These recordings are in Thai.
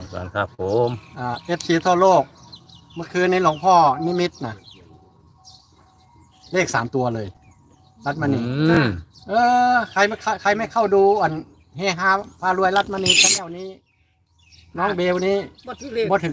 บ้านครับผม FC ทั่วโลกเมื่อคืนนี้หลวงพ่อนิมิตนะเลข3 ตัวเลยรัตมณีใครไม่เข้าดูอันเฮฮาพารวยรัตมณีชั้นแนวนี้น้องเบลนี้บ่ถึงเลขบ่ถึง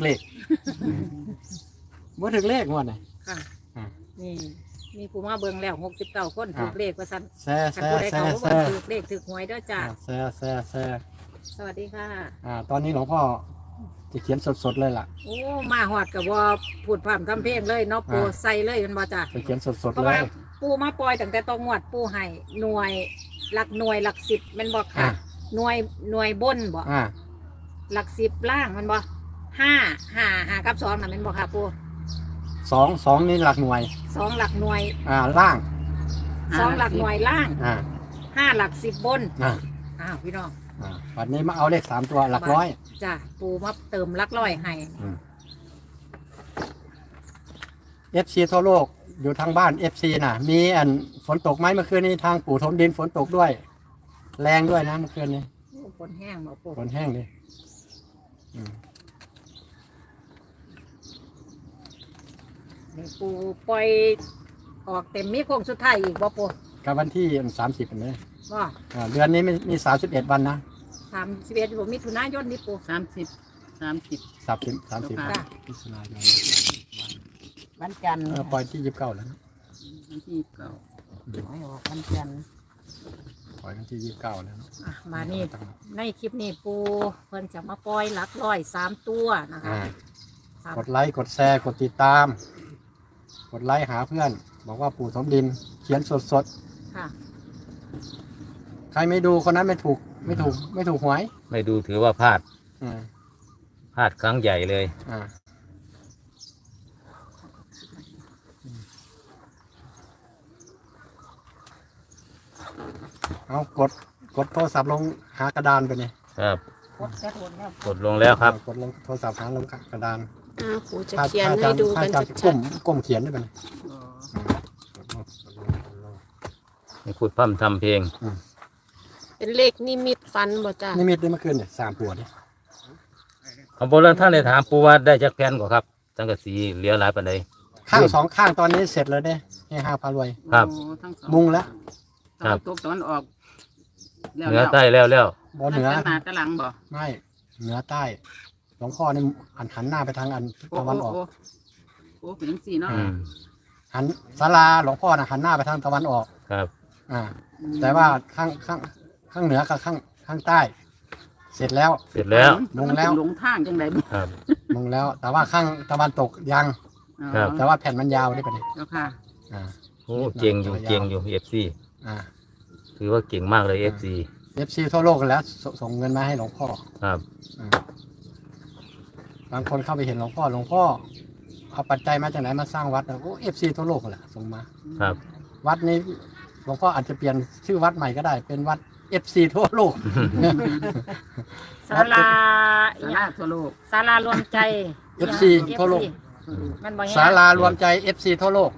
เลขงวดไหนค่ะนี่มีผู้มาเบิ่งแล้ว69 คนถูกเลขว่าซั่นแซ่ถูกเลขถูกหวยเด้อจ้าแซ่สวัสดีค่ะตอนนี้หลวงพ่อจะเขียนสดๆเลยล่ะโอ้มาหอดกับว่าพูดพร่ำทำเพลงเลยเนาะปูใส่เลยมันบ่จ้าจะเขียนสดๆเลยเพราะว่าปูมาปล่อยตั้งแต่ตองวดปูให้หน่วยหลักหน่วยหลัก10มันบ่ค่ะหน่วยบนบ่หลัก10ล่างมันบ่5 กับ2น่ะมันบ่ค่ะปู 2นี่หลักหน่วย 2หลักหน่วยล่าง 2หลักหน่วยล่าง5หลัก10บนพี่น้องวันนี้มาเอาเลข3 ตัวหลักร้อยจ้ะปูมาเติมหลักร้อยให้ FC ทั่วโลกอยู่ทางบ้าน FC น่ะมีฝนตกไหมเมื่อคืนนี้ทางปู่ถมดินฝนตกด้วยแรงด้วยนะเมื่อคืนนี้ฝนแห้งบ่ปู่ฝนแห้งดินี่ปูปล่อยออกเต็มมีโค้งสุดท้ายอีกบ่ปู่กับวันที่30นี่ว่าเดือนนี้มี31 วันนะ 31ผมมิถุนายนนี่ปู่ 30มิถุนายนวันจันทร์ปล่อยที่29แล้ววันที่29 วันจันทร์ปล่อยวันที่29แล้วมานี่ในคลิปนี้ปูเพิ่นจะมาปล่อยหลักร้อย3 ตัวนะคะกดไลค์กดแชร์กดติดตามกดไลค์หาเพื่อนบอกว่าปู่ถมดินเขียนสดค่ะใครไม่ดูคนนั้นไม่ถูกหวยไม่ดูถือว่าพลาดครั้งใหญ่เลยเอากดโทรศัพท์ลงหากระดานไปนี่ครับกดลงแล้วครับกดลงโทรศัพท์หาลงกระดานปู่จะเขียนให้ดูกันชัดก้มเขียนได้ไหมให้พูดพร่ำทำเพลงเป็นเลขนิมิตฝันบ่จ้านิมิตได้เมื่อคืนเนี่ย3 ตัวเนี่ยเอาโบราณท่านเลยถามปูว่าได้จักแผ่นกว่าครับตั้งแต่สีเหลือหลายปานใดข้าง2 ข้างตอนนี้เสร็จแล้วเนี่ยให้5 พารวยครับมุงแล้วครับตกตอนออกเหนือใต้แล้วบ่เหนือหน้าตะหลังบ่ไม่เหนือใต้หลวงพ่อนี่หันหน้าไปทางตะวันออกโอ้เป็นจังซี่เนาะหันศาลาหลวงพ่อน่ะหันหน้าไปทางตะวันออกครับแต่ว่าข้างเหนือกับข้างใต้ เสร็จแล้วมุงแล้วลงทางจังได๋ครับมุงแล้วแต่ว่าข้างตะวันตกยังแต่ว่าแผ่นมันยาวได้ปะเนี่ยเจ้าค่ะโอ้เก่งอยู่ FC ถือว่าเก่งมากเลย FC ทั่วโลกกันแล้วส่งเงินมาให้หลวงพ่อครับบางคนเข้าไปเห็นหลวงพ่อเอาปัจจัยมาจากไหนมาสร้างวัดแล้วก็ FC ทั่วโลกแหละส่งมาครับวัดนี้หลวงพ่ออาจจะเปลี่ยนชื่อวัดใหม่ก็ได้เป็นวัด FC ทั่วโลกศาลาทั่วโลกศาลารวมใจ FC ทั่วโลกศาลารวมใจ FC ทั่วโลก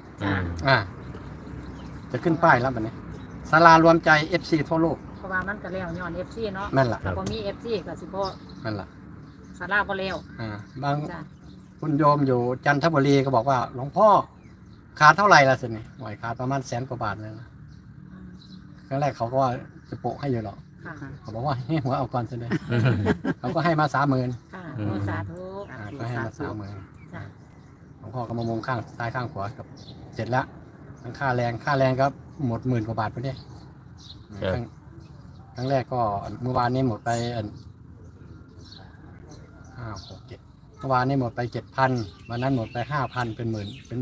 จะขึ้นป้ายแล้วแบบนี้ศาลารวมใจ FC ทั่วโลกเพราะว่ามันก็แล้วย้อน FC เนาะนั่นแหละพอมี FC ก็สิบ่นั่นแหละศาลาบ่แล้วบางคุณโยมอยู่จันทบุรีก็บอกว่าหลวงพ่อขาดเท่าไหร่ละสินี่หน่อยขาดประมาณ100,000 กว่าบาทเลยนะครั้งแรกเขาก็ว่าจะโปะให้อยู่หรอกเขาบอกว่าให้หัวเอาก่อนสิเลยเขาก็ให้มา30,000 ค่ะสาธุก็ให้มา30,000หลวงพ่อก็มามงข้างซ้ายข้างขวากับเสร็จแล้วทั้งค่าแรงก็หมด10,000 กว่าบาทไปเนี่ยครั้งแรกก็เมื่อวานนี้หมดไป5 6 7เมื่อวานนี้หมดไป 7,000 วันนั้นหมดไป 5,000 เป็น12,000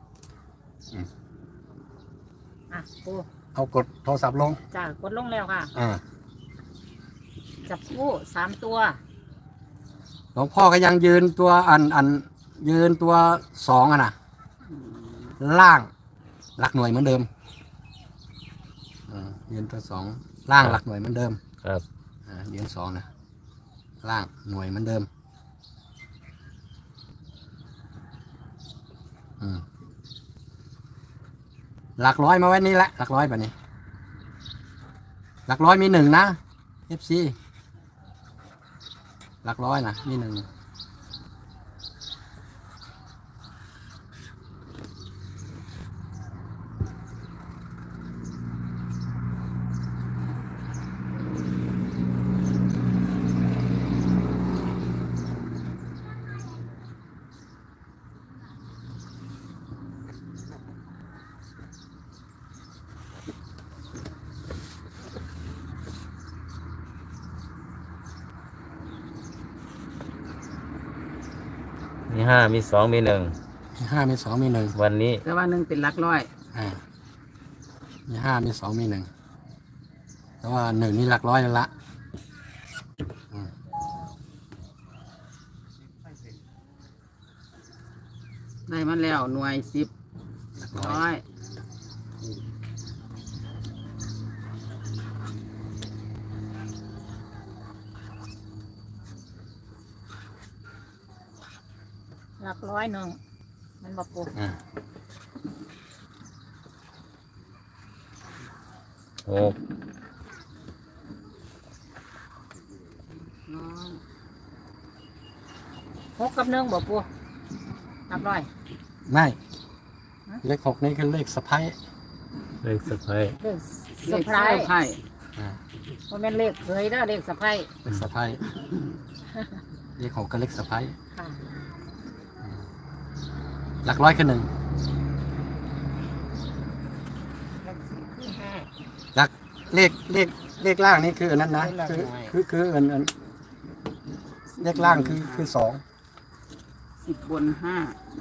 ปูเอากดโทรศัพท์ลงจ้ากดลงแล้วค่ะจับคู่3 ตัวหลวงพ่อก็ยังยืนตัวยืนตัว2นะล่างหลักหน่วยเหมือนเดิมยืนตัว2ล่างหลักหน่วยเหมือนเดิมครับยืน2นะล่างหน่วยเหมือนเดิมหลักร้อยมาไว้นี่แหละหลักร้อยแบบนี้หลักร้อยมี1นะ FC หลักร้อยนะนี่หนึ่งมีห้ามีสองมีหนึ่งมีห้ามีสองมีหนึ่งวันนี้แต่ว่าหนึ่งเป็นหลักร้อยมีห้ามีสองมีหนึ่งแต่ว่าหนึ่งนี่หลักร้อยแล้วละได้มาแล้วหน่วยสิบหลักร้อร้อย ยหลักร้อยหนึ่งมันบอกปูหกร้อยหกกับหนึ่งบอกปูหลักร้อยไม่เลขหกนี่คือเลขสะพ้ายเลขสะพายเลขเลสะขพายไพ่มันเป็นเลขเคยเด้อเลขสะพายเลขสะพ้ายเลขหกก็เลขสะพ้ายค่ะหลักร้อยคือหนึ่งที่ห้าหลักเลขล่างนี่คืออันนั้นนะคืออันเลขล่างคือสอง 10 บน 5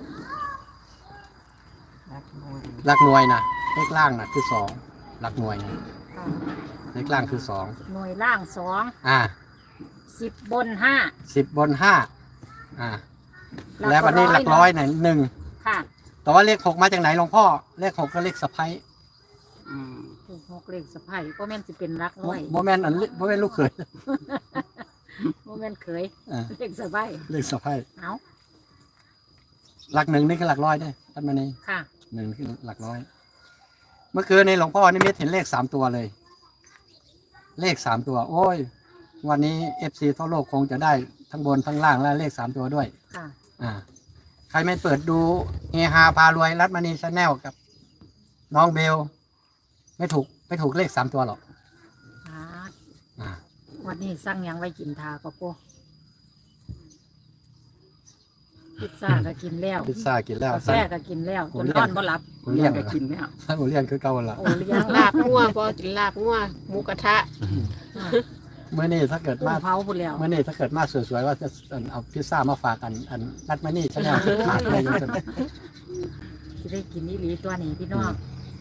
หลักหน่วยนะเลขล่างนะคือสองหลักหน่วยนะค่ะเลขล่างคือสองหน่วยล่างสอง 10 บน 10 บน 5แล้ววันนี้หลักร้อยไหนหนึ่งค่ะแต่ว่าเลขหกมาจากไหนหลวงพ่อเลขหกก็เลขสะพ้ายอืมเลขหกเลขสะพายก็แม่นสิเป็นหลักร้อยโมแมนโมแมนลูกเขยบ่แม่นเคยอ่าเลขสะพายเลขสะพ้ายเอาหลักหนึ่งนี่คือหลักร้อยด้วยท่านมานี่ค่ะหนึ่งคือหลักร้อย เมื่อคืนในหลวงพ่อนิมิตเห็นเลข3 ตัวเลย เลข3 ตัว โอ้ย วันนี้ FC ทั่วโลกคงจะได้ทั้งบนทั้งล่างและเลข3 ตัวด้วยค่ะใครไม่เปิดดูเฮฮาพารวยรัตมณีชาแนลกับน้องเบล ไม่ถูกเลข3 ตัวหรอก อ่าวันนี้สั่งหยังไว้กินทาก็ปูพิซซ่าก็กินแล้วพิซซ่ากินแล้วกาแฟก็กินแล้วโอ้จนเรียกนอนบ่หลับผม เลี้ยเรียกงก็กินแล้วท่านผมเลี้ยงคือเก่าละโอ้เลี้ยงลาบงัวบ่กินลาบงัวหมูกระทะเมื่อนี้ถ้าเกิดกุ้มางเผาพุ่นแล้วเมื่อนี้ถ้าเกิดมาสวยๆว่าจะเอาพิซซ่ามาฝากอันรัตมณีชาแนลขาดเลยยังจะสิได้กินอีหลีตัวนี้พี่น้อง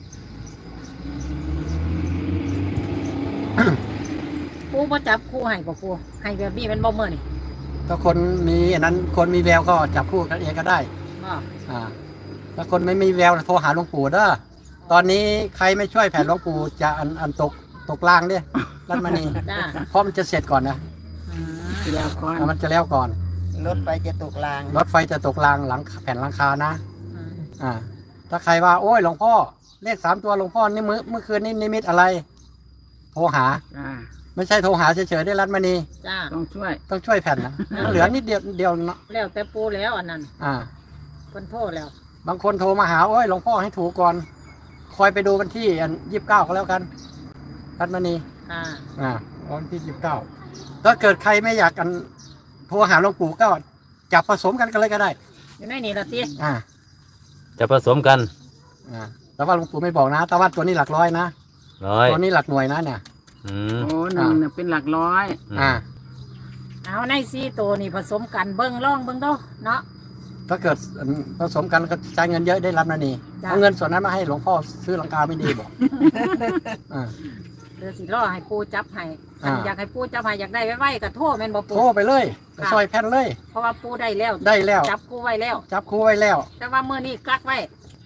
ปูบ่จับคู่ให้บ่ปูให้แบบนี้มันบ่มื้อนี่ถ้าคนมีอันนั้นคนมีแววก็จับคู่กันเองก็ได้บ่ถ้าคนไม่มีแววโทรหาหลวงปู่เด้อตอนนี้ใครไม่ช่วยแผ่นหลวงปู่จะอันตกล่างเด้รัตมณีจ้าเพราะมันจะเสร็จก่อนนะทีแล้วก่อนมันจะแล้วก่อนรถไฟจะตกรางรถไฟจะตกรางหลังแผ่นหลังคานะ ถ้าใครว่าโอ้ยหลวงพ่อเลข3 ตัวหลวงพ่อนี่เมื่อคืนนี้นิมิตอะไร โทรหาจ้าไม่ใช่โทรหาเฉยๆได้รัตมณีจ้าต้องช่วยต้องช่วยแผ่นนะมันเหลือนิดเดียวเนาะแล้วแต่ปูแล้วอันนั้นอ่าเพิ่นโทรแล้วบางคนโทรมาหาโอ้ยหลวงพ่อให้ถูกก่อน คอยไปดูวันที่29ก็แล้วกันรัตมณี วันที่29ถ้าเกิดใครไม่อยากกันโทรหาหลวงปู่ก็จับผสมกันเลยก็ได้อยู่ในนี่ละติอ่าจะผสมกันแต่ว่าหลวงปู่ไม่บอกนะ แต่ว่าตัวนี้หลักร้อยนะร้อยตัวนี้หลักหน่วยนะเนี่ยอืมโอ้หนึ่งเนี่ยเป็นหลักร้อยอ่าเอาใน4ตัวนี่ผสมกันเบิ่งลองเบิ่งเด้อเนาะถ้าเกิดผสมกันก็ใช้เงินเยอะได้รับนะนี่จ้ะเอาเงินส่วนนั้นมาให้หลวงพ่อซื้อหลังคาไม่ดีบอก อ่าเดี๋ยวสิรอให้ปูจับให้อ่าอยากให้ปูจับให้อยากได้ไว้ๆก็โทรแม่นบ่ปูโทรไปเลยไปซอยแผ่นเลยเพราะว่าปูได้แล้วได้แล้วจับกูไว้แล้วจับคู่ไว้แล้วแต่ว่ามื้อนี้กักไว้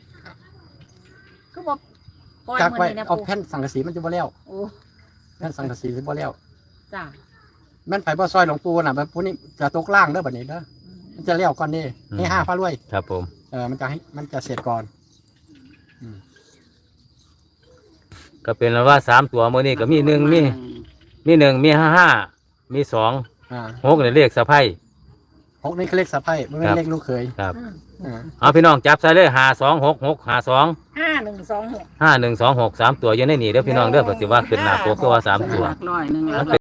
คือบ่ปล่อยกักมื้อไว้นี้นะเอาปูแผ่นสังกะสีมันจะบ่แล้วโอ้แผ่นสังกะสีจะบ่แล้วจ้าแม่นไผบ่ซอยหลวงปู่น่ะแบบพวกนี้จะตกล่างเด้อบัดนี้เด้อมันจะแล้วก่อนนี่ให้5พระรวยครับผมมันจะเสร็จก่อนก็เป็นว่า3 ตัวมื้อนี้ก็มี1มี1มี5มี2 หกเนี่ยเลขสะไพ่ 6นี่คือเลขสะใภ้ไม่เป็นเลขลูกเขยครับอ่าเอาพี่น้องจับใส่เลย526652 5126 5126 3ตัวอยู่ในนี่เด้อพี่น้องเด้อปฏิว่าขึ้นหน้าปกก็ว่า3ตัวหลักร้อยหนึ่งมันเป็น